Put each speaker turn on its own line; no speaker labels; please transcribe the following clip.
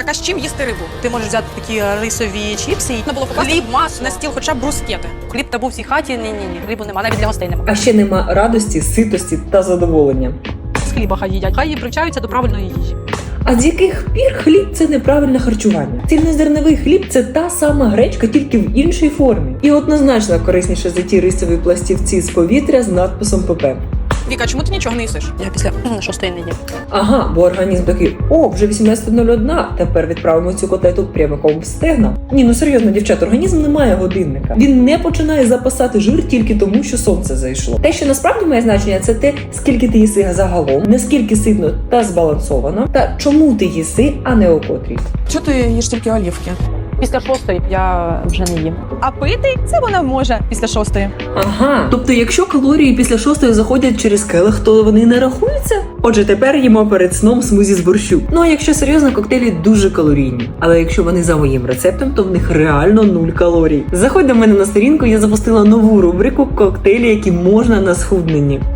така, з чим їсти рибу?
Ти можеш взяти такі рисові чіпси,
Треба було покласти
хліб,
масло на стіл, хоча б брускети.
хліб та був в цій хаті, ні, рибу нема, навіть для гостей нема.
А ще нема радості, ситості та задоволення.
З хліба хай їдять, хай привчаються до правильної їжі.
А з яких пір хліб – це неправильне харчування? Цільнозерновий хліб – це та сама гречка, тільки в іншій формі. І однозначно корисніше за ті рисові пластівці з повітря з надписом ПП.
Віка, чому ти нічого не їсиш?
Я після 6-ї не їм.
Ага, бо організм такий: о, вже 18:01, тепер відправимо цю котлету прямиком в стегна. Ні, ну серйозно, дівчат, організм не має годинника. Він не починає запасати жир тільки тому, що сонце зайшло. Те, що насправді має значення, це те, скільки ти їси загалом, наскільки ситно та збалансовано, та чому ти їси, а не о котрій.
Чого ти їш тільки олівки?
Після 6-ї я вже не їм.
А пити це вона може після 6-ї.
Ага, тобто якщо калорії після 6-ї заходять через келих, то вони не рахуються? Отже, тепер їмо перед сном смузі з борщу. Ну а якщо серйозно, коктейлі дуже калорійні. Але якщо вони за моїм рецептом, то в них реально 0 калорій. Заходь до мене на сторінку, я запустила нову рубрику «Коктейлі, які можна на схудненні».